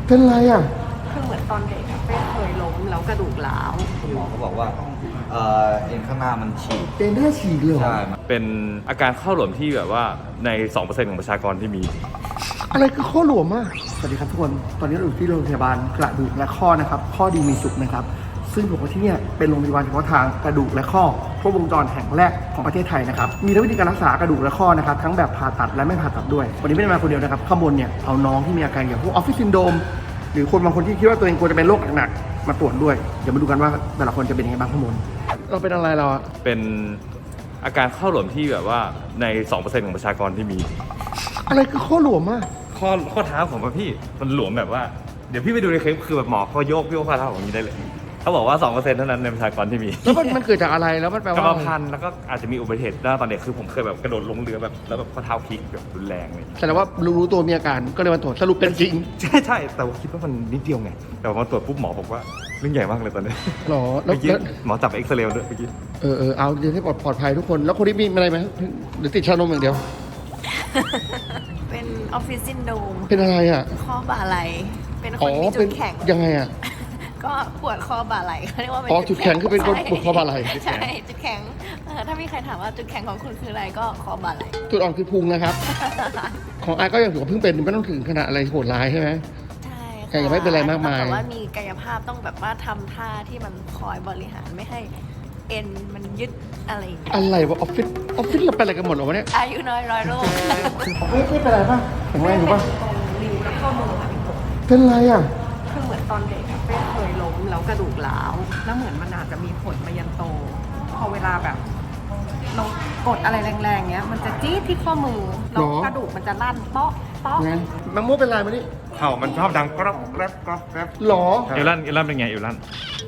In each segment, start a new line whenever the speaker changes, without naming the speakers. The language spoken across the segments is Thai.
เป็นไรอ่ะ
คือเหมือนตอนเด็กอะเป้เคยล้มแล้วกระดูกร้าว
คุณหมอเขาบอกว่าเอ็นข้างหน้ามันฉีก
เป็นได้ฉีกเลยเหรอ
ใช่
เป็นอาการข้อหลวมที่แบบว่าใน 2% ของประชากรที่มี
อะไรคือข้อหลวมอ่ะสวัสดีครับทุกคนตอนนี้เราอยู่ที่โรงพยาบาลกระดูกและข้อนะครับข้อดีมีสุขนะครับซึ่งผมว่าที่นี่เป็นโรงพยาบาลเฉพาะทางกระดูกและข้อครบวงจรแห่งแรกของประเทศไทยนะครับมีทั้งวิธีการรักษากระดูกและข้อนะครับทั้งแบบผ่าตัดและไม่ผ่าตัดด้วยวันนี้ไม่ได้มาคนเดียวนะครับข้างบนเนี่ยเอาน้องที่มีอาการอย่างพวกออฟฟิศซินโดรมหรือคนบางคนที่คิดว่าตัวเองควรจะเป็นโรคหนักๆมาตรวจด้วยเดี๋ยวมาดูกันว่าแต่ละคนจะเป็นยังไงบ้างข้างบนเราเป็นอะไรเราอะ
เป็นอาการข้อหลวมที่แบบว่าใน 2% ของประชากรที่มี
อะไรคือข้อหลวมอะ
ข้อเท้าผมอะพี่มันหลวมแบบว่าเดี๋ยวพี่ไปดูในคลิปคือแบบหมอเขาโยกข้อเท้าของนี้ได้เลยเขาบอกว่า 2% เท่านั้นในประชากรที่มี
แล้วมันเกิดจากอะไรแล้วมันแปลว่าก
รรมพันธุ์แล้วก็อาจจะมีอุบัติเหตุได้ตอนเด็กคือผมเคยแบบกระโดดลงเรือแบบแล้วแบบข้อเท้าพลิกแบบรุนแรงเลย
แสดงว่ารู้ตัวมีอาการก็เลยมาตรวจสรุปเป็นจริง
ใช่แต่ว่าคิดว่ามันนิดเดียวไงแต่พอตรวจปุ๊บหมอบอกว่าเรื่องใหญ่มากเลยตอนนี้
หรอ
เมื่อกี้หมอจับเอ็กซเรย์ด้วยเมื่อกี้
เอาเดี๋ยวให้ปลอดภัยทุกคนแล้วคนที่มีอะไรไหมหรือติดชานมอย่างเดียว
เป็นออฟฟิศซินโดรม
เป็นอะไรอ่ะ
ข้อบ่าไหล่เป็นคนมีจุดแข็ง
ยังไงอ่ะ
ก็ปวดข้อบ่าไหล่เขาเรียกว่าเป็น
จุดแข็งคือเป็นคนปวดข้อบ่าไหล่
ใช่จุดแข็งถ้ามีใครถามว่าจุดแข็งของคุณคืออะไรก็ข้อบ่าไหล่
จุดอ่อนคือพุงนะครับของไอ้ก็ยังถือว่าเพิ่งเป็นไม่ต้องถึงขนาดอะไรโหดร้ายใช่ไหม
ใช่
แต่ยังไม่เป็นอะไรมากมาย
แต่ว่ามีกายภาพต้องแบบว่าทำท่าที่มันคอยบริหารไม่ให้เอ็นมันยึดอะไร
วะออฟฟิศเราเป็นอะไรกันหมดหรอวะเนี่ย
อายุน้อยร้อยโรค
ไม่เป็นไรป่ะแข็งแรงอยู่ป่ะ
ริ้วแล้วข้อมือ
เป็นไรอ่ะ
คือเหมือนตอนเด็กอะเป้เคยล้มแล้วกระดูกร้าวแล้วเหมือนมันอาจจะมีผลมายันโตพอเวลาแบบเรากดอะไรแรงๆเงี้ยมันจะจี๊ดที่ข้อมือแล้วกระดูกมันจะลั่นเปาะ
มังโม่เป็นไรมานี่
เข่ามันชอบดังกรอบแกรบกรอบแกรบ
หรอ
เอลลันเป็นไงเอลลัน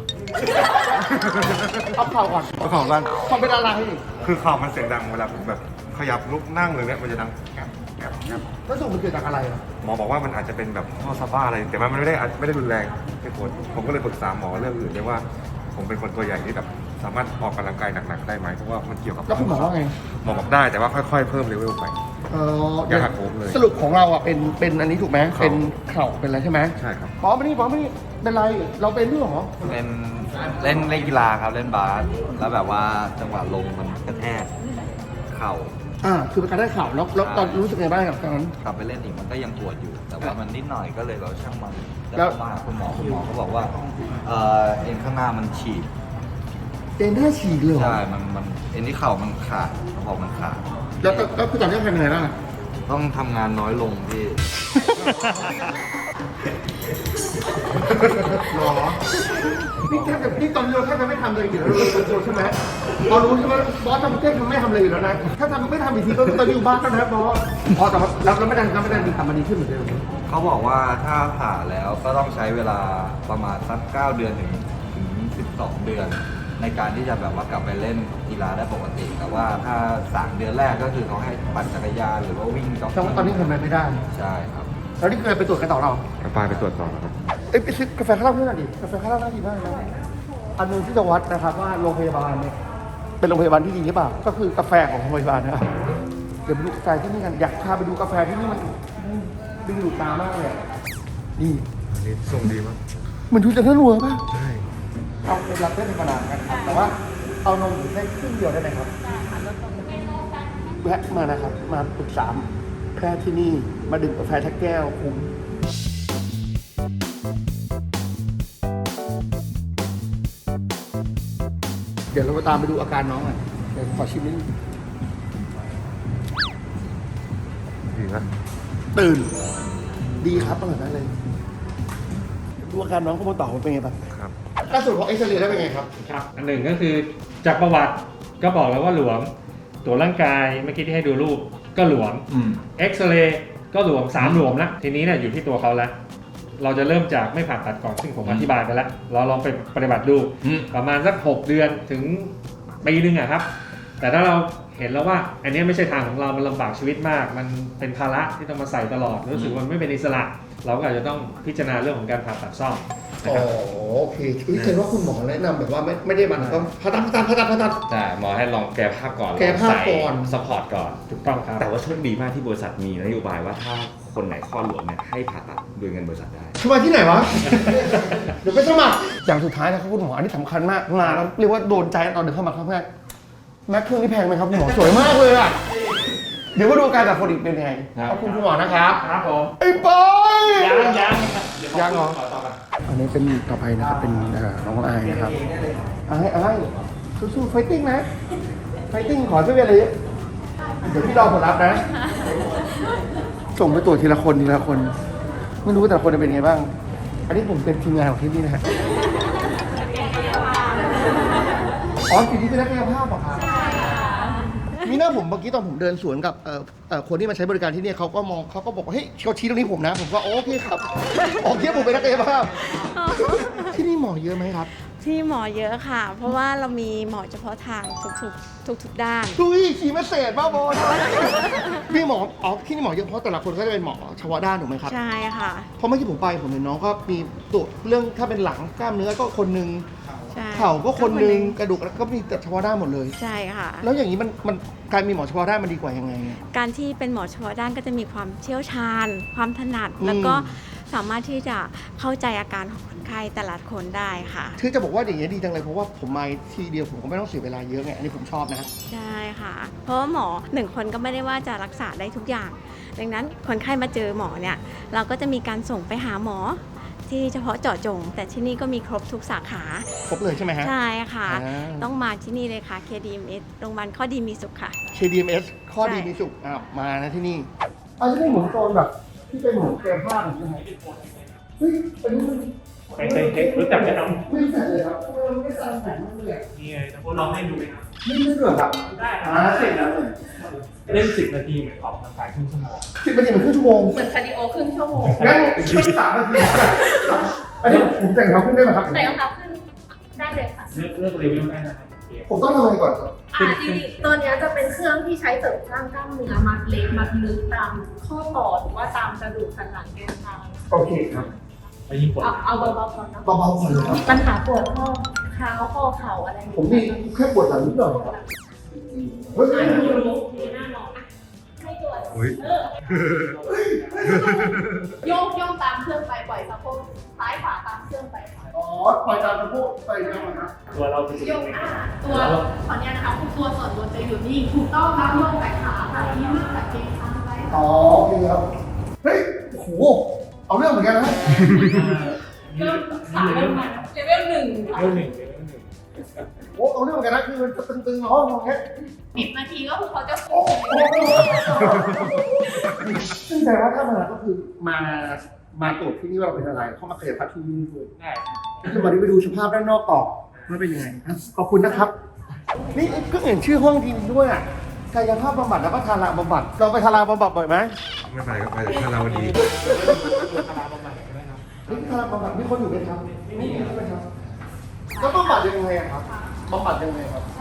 เอาเข่าก่อน
เอาเข่ากัน
เขาเป็นอะไร
คือเข่ามันเสียงดังเวลาผมแบบขยับลุกนั่งเลยเนี่ยมันจะดังแกรบ
แล้วสรุปมันเกิดจากอะไรอ่ะ
หมอบอกว่ามันอาจจะเป็นแบบข้อซาบ้าอะไรแต่มันไม่ได้รุนแรงไม่ปวดผมก็เลยปรึกษาหมอเรื่องอื่นด้วยว่าผมเป็นคนตัวใหญ่ที่แบบสามารถออกกำลังกายหนักๆได้ไหมเพราะว่ามันเกี่ยวกับ
แล้วคุณหมอว่าไง
หมอบอกได้แต่ว่าค่อยๆเพิ่มเลเวลไปอย่าหักโหมเลย
สรุปของเราอ่ะเป็นอันนี้ถูกไหมเป็นเข่าเป็นอะไรใช่ไหม
ใช่ครับ
หมอไม่นี่เป็นไรเราเป็นด้วยหรอ
เป็นเล่นกีฬาครับเล่นบาสแล้วแบบว่าจังหวะลงมันกระแทกเข่า
คือเป็นการได้เข่าแล้วตอนรู้สึกไงบ้างกับตอนนั้น
กลับไปเล่นอีกมันก็ยังปวดอยู่แต่ว่ามันนิดหน่อยก็เลยเราช่างมันแล้วมาคุณหมอเขาบอกว่าเอ็นข้างหน้ามันฉีก
เอ็นได้ฉีกเลย
ใช่มันเอ็นที่เข่ามันขาดเขาบอกมันขาด
แล้วคือตอนนี้ทำยังไงบ้าง
ต้องทำงานน้อยลงพี่
หรอนี่ตอนนี้เราแทบจะไม่ทำเลยอยู่แล้วใช่ไหมเรารู้ใช่ไหมบอสทำเต้นมันไม่ทำเลยอยู่แล้วนะถ้าไม่ทำอีกทีก็ตอนนี้อยู่บ้านแล้วนะบอสแต่ว่าเราไม่ได้ทำมันดีขึ้นเหมือนเดิม
เขาบอกว่าถ้าผ่าแล้วก็ต้องใช้เวลาประมาณสัก9 เดือนถึง12 เดือนในการที่จะแบบว่ากลับไปเล่นกีฬาได้ปกติแต่ว่าถ้า3 เดือนแรกก็คือเขาให้ปั่นจักรยานหรือว่าวิ่งจ็อก
ตอนนี้ทำอะไรไม่ได้
ใช่ครับ
แล้วนี่เคยไปตรวจกันต่อเรา
ไปตรวจต่อครับ
ไปซื้อกาแฟข้าวเหล้าเพื่อนหน่อยดิกาแฟข้าวเหล้าน่าดีมากนะอันนึงที่จะวัดนะครับว่าโรงพยาบาลเนี่ยเป็นโรงพยาบาลที่ดีหรือเปล่าก็คือกาแฟของโรงพยาบาลนะครับเดี๋ยวไปดูกาแฟที่นี่กันอยากพาไปดูกาแฟที่นี่มันดึงดูดตามากเลยนี่
ส่งดีมาก
มันดูจะน่ารัวป่ะ
ใช่
เอาเป็นรับได้ธรรมดากันครับแต่ว่าเอานมได้ครึ่งเดียวได้ไหมครับแวะมานะครับมาปรึกษาแพทย์ที่นี่มาดื่มกาแฟทักแก้วคุ้มเดี๋ยวเราไปตามไปดูอาการน้องอ่ะเดี๋ยวขอชิมนิดนึง
ดีนะ
ตื่นดีครับอร่อยมากเลยดูอาการน้องก็มาต่อมันเป็นไงบ้าง
ครับ
ล่าสุดของเอ็กซเรย์ได้เป็นไงครับ
ครับอันหนึ่งก็คือจากประวัติก็บอกแล้วว่าหลวมตัวร่างกายเมื่อกี้ที่ให้ดูรูปก็หลวมเอ็กซเรย์ก็หลวม3 หลวมแล้วทีนี้เนี่ยอยู่ที่ตัวเขาแล้วเราจะเริ่มจากไม่ผ่าตัดก่อนซึ่งผมอธิบายไปแล้วเราลองไปปฏิบัติดูประมาณสัก6 เดือนถึงปีนึงอะครับแต่ถ้าเราเห็นแล้วว่าอันนี้ไม่ใช่ทางของเรามันลำบากชีวิตมากมันเป็นภาระที่ต้องมาใส่ตลอดรู้สึกว่ามันไม่เป็นอิสระเราก็อาจจะต้องพิจารณาเรื่องของการผ่าตัดซ่อม
โอเคเห็นว่าคุณหมอแนะนำแบบว่าไม่ได้มันต้องผ่าตัด
แต่หมอให้ลองแก้ภาพก่อน
ซัพพอร์ต
ก่อนถูกต้องครับ
แต่ว่าโชคดีมากที่บริษัทมีนโยบายว่าถ้าคคนไหนข้อหลวมเนี่ยให้ผ่าตัดโดยเงินบริษัทได้
สมัครที่ไหนวะ เดี๋ยวไปสมัครอย่างสุดท้ายนะครับคุณหมออันนี้สำคัญมากมาแล้วเรียกว่าโดนใจตอนเดินเข้ามาครั้งแรกแม็กเครื่องนี่แพงไหมครับคุณหมอสวยมากเลยอ่ะเดี๋ยวมาดูการจัดคนอีกเป็นยังไงขอบคุณคุณหมอนะครับ
ครับผม
ไอ้ปอย
ยัง
เหรออันนี้เป็นต่อไปนะครับเป็นน้องอายนะครับอายสู้ๆไฟติ้งนะไฟติ้งขอช่วยอะไรเยอะเดี๋ยวพี่รอผลลัพธ์นะส่งไปตรวจทีละคนไม่รู้ว่าแต่ละคนจะเป็นไงบ้าง อันนี้ผมเป็นทีมงานของที่นี่นะฮะอ๋อทีนี้เป็นนักกายภาพเหรอครับมีหน้าผมเมื่อกี้ตอนผมเดินสวนกับคนที่มาใช้บริการที่นี่เขาก็มองเขาก็บอกว่าเฮ้ยเขาชี้ตรงนี้ผมนะผมก็โอเคครับโอเคผมเป็นนักกายภาพที่นี่หมอเยอะไหมครับ
ที่หมอเยอะค่ะ เพราะว่าเรามีหมอเฉพาะทางทุกด้าน
ดุยขี่มาเศษบ้าบอพี่หมอที่นี่หมอเยอะเพราะแต่ละคนก็จะเป็นหมอเฉพาะด้านถูกไหมครับ
ใช่ค่ะ
เพราะเมื่อกี้ผมเห็นน้องก็มีตรวจเรื่องถ้าเป็นหลังกล้ามเนื้อก็คนนึง
ใช่
เข่าก็คนนึงกระดูกก็มีแต่เฉพาะด้านหมดเลย
ใช่ค่ะ
แล้วอย่างนี้มันการมีหมอเฉพาะด้านมันดีกว่ายังไงอะ
การที่เป็นหมอเฉพาะด้านก็จะมีความเชี่ยวชาญ ความถนัด
อืม
แล้วก็สามารถที่จะเข้าใจอาการของคนไข้แต่ละคนได้ค่ะ
คือจะบอกว่าอย่างนี้ยดีจังเลยเพราะว่าผมมาทีเดียวผมก็ไม่ต้องเสียเวลาเยอะไงอันนี้ผมชอบนะ
ใช่ค่ะ เพราะว่าหมอหนึ่งคนก็ไม่ได้ว่าจะรักษาได้ทุกอย่าง ดังนั้นคนไข้มาเจอหมอเนี่ย เราก็จะมีการส่งไปหาหมอที่เฉพาะเจาะจง แต่ที่นี่ก็มีครบทุกสาขา
ครบเลยใช่ไหมฮะ
ใช่ค่ะ
อ่า
ต้องมาที่นี่เลยค่ะ KDMS โรงพยาบาลข้อดีมีสุขค่ะ
KDMS ข้อดีมีสุขมานะที่นี่ที่นี่หมุนโซนแบบที่เป็นหมุนเกมผ้าใช่ไหมเฮ้ยอันนี้มัน
รู้จักไหมครับ
ไม่รู้จักเลยครับทำไมมันไม่สร้างแผนมันเลย
นี่ไงถ้าพวกลองให้ดูไหมครับ
ไม่รู้เหรอครับ
ได้ครั
เสร็จแล้ว
เล่น10 นาทีเหมือนออกกำลังกายครึ่งชั่วโมง
10 นาทีเป็นครึ่งชั่วโมง
เหมือนคาร์ดิโอครึ่งชั่วโมง
งั้นช่วย3 นาทีอันนี้ผมแต่งเขาขึ้นได้ไหมครับ
ใส่รองเท้าขึ้นได้เลยค่ะ
เลือกรีวิวได้นะครับ
ผมต้องทำอะไรก่อนครับ
ที่ตัวเนี้ยจะเป็นเครื่องที่ใช้เสริมสร้างกล้ามเนื้อมัดเล็กมัดลึกตามข้อต่อหรือว่าตามกระดูกสันหลังแกนกลาง
โอเคครับ
ไปยิงปวด
เอาเบาๆก่อนเนาะ
เบาๆก่อนเลยครับ
มีปัญหาปวดข้อเท้าข้อเข่าอะไรอย่าง
ผม
เงี้
มีแค่ปวดหลังนิดหน่อยครับเฮ้ย
มีหน้ามองอ่ะให้ตัว
เฮ้ย
โยกตามเครื่องไปปล่อยสะโพกซ้ายขวาตามเครื่องไปค่ะ
อ๋อปล่อยตามสะโพกไปแล้วนะครับ
ตัวเราจะ
โยกตัวขอเนี้ยนะคะตัวส่วนบนจะอยู่นี่ถูกต้องครับโยกไปขาแบบนี้มากแบบเกรงค้างไว้
อ๋อโอเคครับเฮ้ยโอ้โหเอาเรื่องเหมือนกันนะ
เริ่มขาเริ่มมาเลเวล 1
เรื่องหนึ่ง
โอ้เอาเรื่องเหมือนกันนะคือมันจะตึงๆเนาะมองแค่
10 นาทีก็คือเขาจะ
โอ้โหซึ่งแต่ว่าถ้ามาก็คือมาตรวจที่นี่ว่าเราเป็นอะไรเข้ามาขยับพัดที่นี่ด้วย
ได้
คือวันนี้ไปดูสภาพด้านนอกต่อว่าเป็นยังไงครับขอบคุณนะครับ นี่ก็เห็นชื่อห้องทีนี้ด้วยอ่ะกายภาพบำบัดแล้วก็ทาราบำบัดเราไปทาราบำบัดบ่อยไหม
ไม่ไปก็ไปแต่ถ้าเราดี
คาราบำบัดใช่ไหมครับ
นี่ทาราบำบัดมีคนอยู่ไหมครับไม่มีใช่ไหมครับแล้วบำบัดยังไงอะครับบำบัดยังไงครับ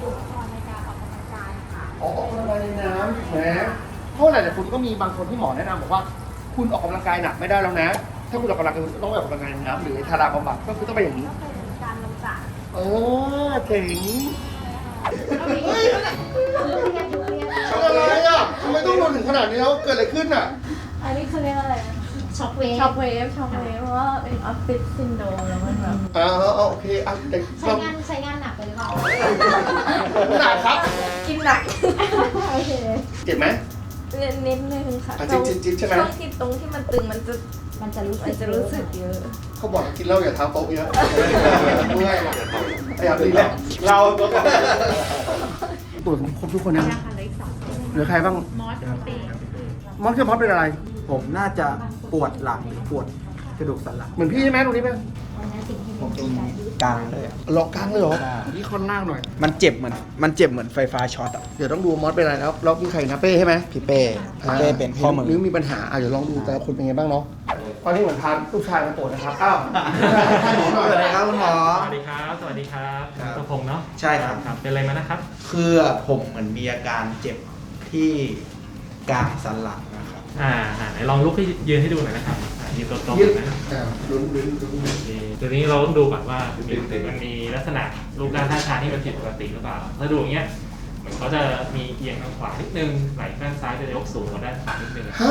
ออกกำลังกายในน้ำถูกไหมเพราะหลายๆคนก็มีบางคนที่หมอแนะนำบอกว่าคุณออกกำลังกายหนักไม่ได้แล้วนะ ถ้าคุณออกกำลังกายต้องออกกำลังกายในน้ำหรือทาราบำบัดก็คือต้องไปอย่างนี้
การลงจาก
เจ๋ง
เฮ้ยเรียน
ทำอะไรอ่ะทำไมต้องโดนถึงขนาดนี้แล้วเกิดอะไรขึ้นอ่ะ
อันนี้คือเรียกอะไรนะ
ช็อคเวฟ
ช็อกเวฟเพราะว่าเป็นออฟฟิศซินโดรมแล้วมันแบบ
โอเคอ่ะแต่
ใช้งานหนักไปหรือเปล่า
หนักครับ
กินหนัก โอเค
เจ็บไหม
นิดนึงค่ะ
จิ๊บใช่ไหม
ช่วงที่ตรงที่มันตึงมันจะรู้สึกเยอะ
เขาบอกกินเหล้าอย่าเท้าโต๊ะเยอะเมื่อยอยากดีแล้วเราตรวจครบทุกคนยังเหลือใครบ้างมอสจะมอสเป็นอะไร
ผมน่าจะปวดหลังหรือปวดกระดูกสันหลัง
เหมือนพี่ใช่ไหมตรงนี้ไหม
ผมตรงกลางเลยอะ
หลอกกลางเลยเหรอนี่คอนล่างหน่อย
มันเจ็บเหมือนไฟฟ้าช็อตอ่ะ
เดี๋ยวต้องดูมอสเป็นอะไรแล้วมีใครนะเป้ใช่ไหม
พี่เป้เป็นข้อมือ
หรือมีปัญหาเดี๋ยวลองดูแต่ละคนเป็นไงบ้างเนาะตอนนี้เหมือนพาลูกชายมาตรวจนะครับอ้าวให้หมอหน่อย
สวัสดีครับคุณหมอ
สวัสดีครับ สวัสดีครับตัวพงษ์เนาะ
ใช่ครับ
ครับ เป็นอะไรมานะครับ
คือผมเหมือนมีอาการเจ็บที่กลางสันหลังนะครับ
ไหนลองลุกให้ยืนให้ดูหน่อยนะครับยืนตรง
ยืด
ๆนะ
ลุ้น
โอเคตัวนี้เราต้องดูก่อนว่ามันมีลักษณะรูปร่างท่าทางที่มันผิดปกติหรือเปล่า ถ้าดูอย่างเงี้ยเหมือนเขาจะมีเอียงทางขวานิดนึง ไหล่ข้างซ้ายจะยกสูงกว่าด้านขวานิดนึง
ฮะ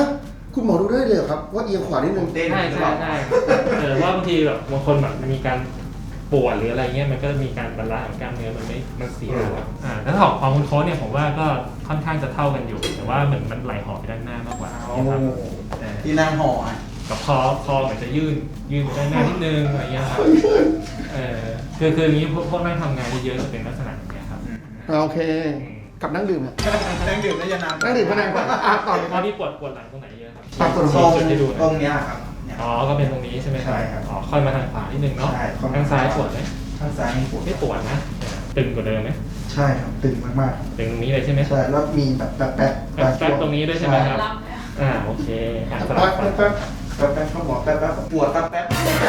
คุณหมอดูได้เลยเหรอครับว่าเอียงขวานิดนึง
เต้น
ใช่
หรือ
ใช่
เปล่า
ใช่ว่าบางทีแบบบางคนแบบมันมีการปวดหรืออะไรเงี้ยมันก็มีการบรรลัยของกล้ามเนื้อมันเสียครับแล้วของคุณโค้ชเนี่ยผมว่าก็ค่อนข้างจะเท่ากันอยู่แต่ว่าเหมือนมันไหลห่อไปด้านหน้ามากกว่าครับแต่
ที่นั่งห่ออ่ะ
กับคอเหมือนจะยื่นไปด้านหน้านิดนึงอะไรเงี้ยครับคืออย่างนี้พวกนั่งทำงานเยอะๆจะเป็นลักษณะอย่างเงี้ยครับ
โอเคกับนั่งดื่มอะ
นั่งดื่มได้ยังนาน
นั่งดื่มพนันก่อนต่อเลย
ตอนนี้ปวดหลังตรงไหนเยอะครับ
ปวด
ตรง
จุดให้ดูห
ต
น่
ร
อย
งเนี้ยครับเนี่ย
อ๋อก็เป็นตรงนี้ใช่ไหมครับ
ใช่ครับ
อ๋อค่อยมาทางขวานิดนึงเนาะ
ใช่ค่อยมา
ทางซ้ายปวดไหม
ข้างซ้ายไม่ปวด
ไม่ปวดนะตึงกว่าเดิมไหม
ใช่ครับตึงมาก
ตึงตรงนี้เลยใช่ไหม
ๆใช่แล้วมีแบบแป๊บ
แป๊บตรงนี้ด้วยใช่ไหมครับโอเคสลับฝั่ง
แป๊บเขาบอกแป๊บ
ปวดแป๊บ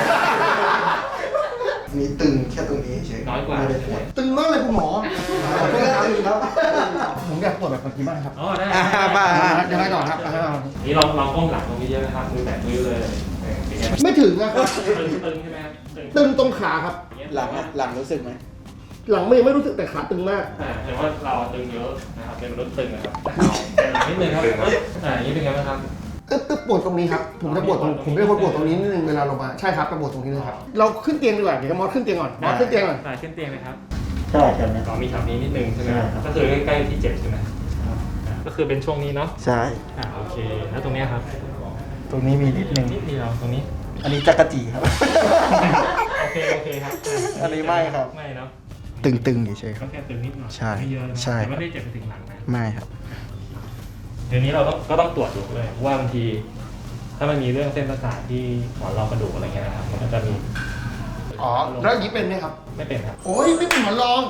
มีตึงแค่ตรงนี้เฉย
น้อยกว่า
ไม่ได้ปวด
ตึงมากเลยคุณหมอ
ไม่ได้ตึงครับ
ผมอยากปวดแบบเมื่อกี้มากครับ
อ๋อได้
บ้า
ยังไงต่อครับ
นี่ลองก้มหลังตรงนี้เยอะนะครับมือแตะมือเลยเป็นไง
ไม่ถึงนะครับ
ตึงใช่ไหมครับ
ตึงตรงขาครับ
หลังรู้สึกไหม
หลังไม่รู้สึกแต่ขาตึงมาก
แต่ว่าเราตึงเยอะนะครับเป็นมนุษย์ตึงนะครับหลังนิดนึงครับอย่างนี้เป็นไงบ้างครับ
ตึ๊บปวดตรงนี้ครับผมจะปวดตรงผมจะปวดตรงนี้นิดนึงเวลาลงมาใช่ครับปวดตรงนี้เลยครับเราขึ้นเตียงดีกว่าเดี๋ยวมอสขึ้นเตียงก่อนมอสขึ้นเตียงก่อน
ขึ้นเตียงเลยครับ
ใช่ครับเนี่ย
อ๋อมีแถวนี้นิดนึงใช่ไหมครับก็คือใกล้ๆที่เจ็บใช่ไหมก็คือเป็นช่วงนี้เนาะ
ใช่
โอเคแล้วตรงเนี้ยครับ
ตรงนี้มีนิดนึง
นิดเดียวตรงนี้
อันนี้จักรจีครับ
โอเคครับ
อันนี้ไม่ครับ
ไม่เนาะ
ตึงๆเฉยๆค
ก็
รับ
แค่ตึงนิดหน่อย
ใช่
ไม่เยอะนะ
ใช่
แต่ไม่ได้เจ็บไปถึงหลังนะ
ไม่ครับ
เดี๋ยวนี้เราก็ต้องตรวจดูเลยว่าบางที ถ้ามันมีเรื่องเส้นประสาทที่หมอนรองกระดูกอะไรเงี้ยนะครับมันก็จะมี
อ๋อแล้วอย่างนี้เป็นไหมครับ
ไม่เป็นครับ
โอ้ยไม่เป็นหมอนรอง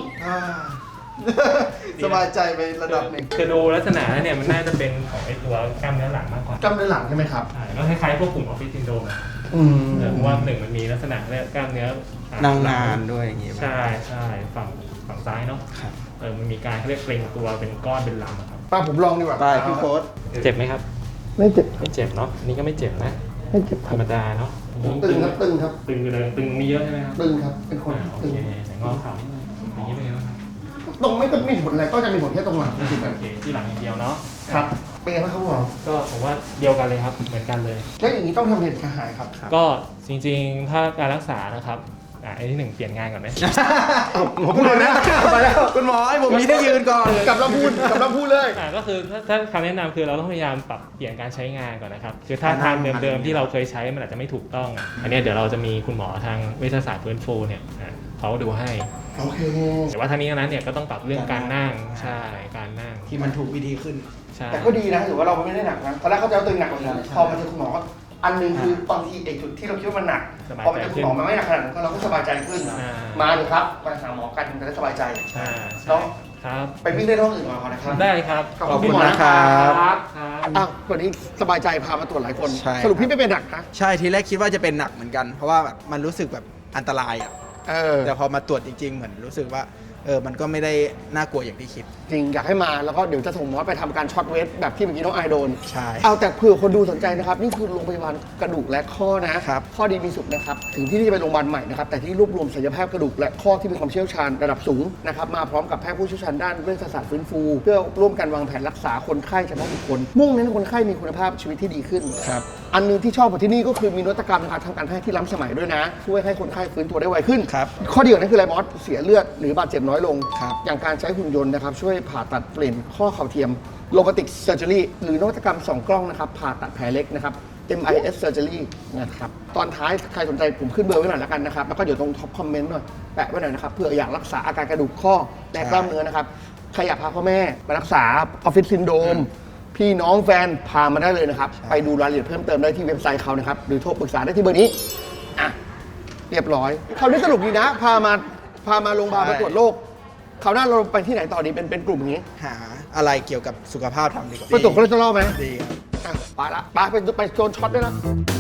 สบายใจไประดับหนึ่ง
คือดูลักษณะแล้วเนี่ยมันน่าจะเป็นของไอ้ตัวกล้ามเนื้อหลังมากกว่าก
ล้ามเนื้อหลังใช่ไหมครับ
ใช่ก็คล้ายๆพวกกลุ่มออฟฟิศซินโดรมอะ เพราะว่าหนึ่งมันมีลักษณะเรียกกล้ามเนื้อ
นั่งนานด้วยอย่างงี้
ใช่ฝั่งซ้ายเนาะ
ครับ
มันมีการเขาเรียกเกร็งตัวเป็นก้อนเป็นลำอะครับ
ป้าผมลองดีกว่า
ไปพี่โค้ด
เจ็บไหมครับ
ไม่เจ็บ
ไม่เจ็บเนาะอันนี่ก็ไม่เจ็บนะ
ไม่เจ็บค
ธ
รั
ร
บ
รมดาเนาะ
ตึงครับตึงครับ
ตึงอยู่เลยตึงมีเยอะใช่ไหมครับ
ตึงครับเป็นคน
โอ
ตึง
เคแต่งอเข่านิดนึงอย่างนี้เป็นไงบ้างครับ
ตรงไม่ต้องมีผลอะไรก็จะมีผลแค่ตรงหลังจริงๆ
โอเคที่หลังอย่างเดียวเนาะ
ครับเป็นไงบ้างครับคุณหมอ
ก็ผมว่าเดียวกันเลยครับเหมือนกันเลย
แล้วอย่างนี้ต้องทำเหตุกระหายครับ
ก็จริงๆถ้าการรักษานะครับไอ้ที่หนึ่งเปลี่ยนงานก่อนไหม
หมอพูดเลยนะไปแล้ว
คุณหมอให้ผมมีที่ยืนก่อน
กลับเราพูดเลย
ก็คือถ้าคำแนะนำคือเราต้องพยายามปรับเปลี่ยนการใช้งานก่อนนะครับคือถ้าทางเดิมๆที่เราเคยใช้มันอาจจะไม่ถูกต้องอันนี้เดี๋ยวเราจะมีคุณหมอทางเวชศาสตร์ฟื้นฟูเนี่ยเขาดูให้
โอเค
แต่ว่าทั้งนี้ทั้งนั้นเนี่ยก็ต้องปรับเรื่องการนั่งใช่การนั่ง
ที่มันถูกวิธีขึ้น
ใช่
แต่ก็ดีนะถือว่าเราไม่ได้หนักนะตอนแรกเขาจะเอาตึงหนักกว่านี้พอมาเจอคุณหมอก็อันหนึงคือบางทีไอ้จุดที่เราคิดว่ามันหนักพอมาเจอคุณหมอมันไม่หนักขนาดนั้นเราก็สบายใจขึ้น มาเลยครับมาหาหมอกันจะได้สบายใจ
ใช่
เนาะ
ครับ
ไปวิ่งได้ท้องอื่นก่อนนะครับ
ได้ครับ
ขอบคุณ
นะครับ
ครับ
อ้าววันนี้สบายใจพามาตรวจหลายคน
ใช่ครับ
สรุปพี่ไม่เป็นหนักนะ
ใช่ทีแรกคิดว่าจะเป็นหนักเหมือนกัน เพราะว่าแบบมันรู้สึกแบบอันตรายอ่ะ แต่พอมาตรวจจริงๆ เหมือนรู้สึกว่ามันก็ไม่ได้น่ากลัวอย่างที่คิด
จริงอยากให้มาแล้วก็เดี๋ยวจะส่งหมอไปทำการช็อตเวทแบบที่เมื่อกี้น้องไอโดน
ใช่
เอาแต่เผื่อคนดูสนใจนะครับ นี่คือโรงพยาบาลกระดูกและข้อนะครับ ข้อดีมีสุขนะครับ ถึงที่นี่จะเป็นโรงพยาบาลใหม่นะครับ แต่ที่รวบรวมศัลยแพทย์กระดูกและข้อที่มีความเชี่ยวชาญระดับสูงนะครับมาพร้อมกับแพทย์ผู้เชี่ยวชาญด้านเวชศาสตร์ฟื้นฟู เพื่อร่วมกันวางแผนรักษาคนไข้เฉพาะบุคคลมุ่งเน้นให้คนไข้มีคุณภาพชีวิตที่ดีขึ้น
ครับ
อันหนึงที่ชอบของที่นี่ก็คือมีนวัตกรรมทางการแพทย์ที่ล้ำสมัยด้วยนะ ช่วยให้คนไข้ฟื้นตัวได้ไวขึ้น
ครับ
ข้อดีของนั้นคืออะไรมอสเสียเลือดหรือบาดเจ็บน้อยลง
ครับ
อย่างการใช้หุ่นยนต์นะครับช่วยผ่าตัดเปลี่ยนข้อเข่าเทียมโลบอติกเซอร์เจอรี่หรือนวัตกรรม2กล้องนะครับผ่าตัดแผลเล็กนะครับ MIS surgery นะครับตอนท้ายใครสนใจผมขึ้นเบอร์ไว้หน่อยแล้วกันนะครับแล้วก็เดี๋ยวตรงท็อปคอมเมนต์หน่อยแปะไว้หน่อยนะครับเพื่ออยากรักษาอาการกระดูกข้อและกล้ามเนื้อนะครับใครอยากพาพ่อแม่ไปรักษาออฟฟิศซินโดรมพี่น้องแฟนพามาได้เลยนะครับไปดูรายละเอียดเพิ่มเติมได้ที่เว็บไซต์เขานะครับหรือโทรปรึกษาได้ที่เบอร์นี้อ่ะเรียบร้อยคราวนี้สรุปดีนะพามาโรงพยาบาลมาตรวจโรคคราวหน้าเราไปที่ไหนต่อดีเป็นกลุ่มอย่างนี้
หาอะไรเกี่ยวกับสุขภาพทำดีกว่า
ไปตรวจคอเลสเตอรอลไหม
ดีครับ
อ่ะไปละไปโดนช็อตด้วยนะ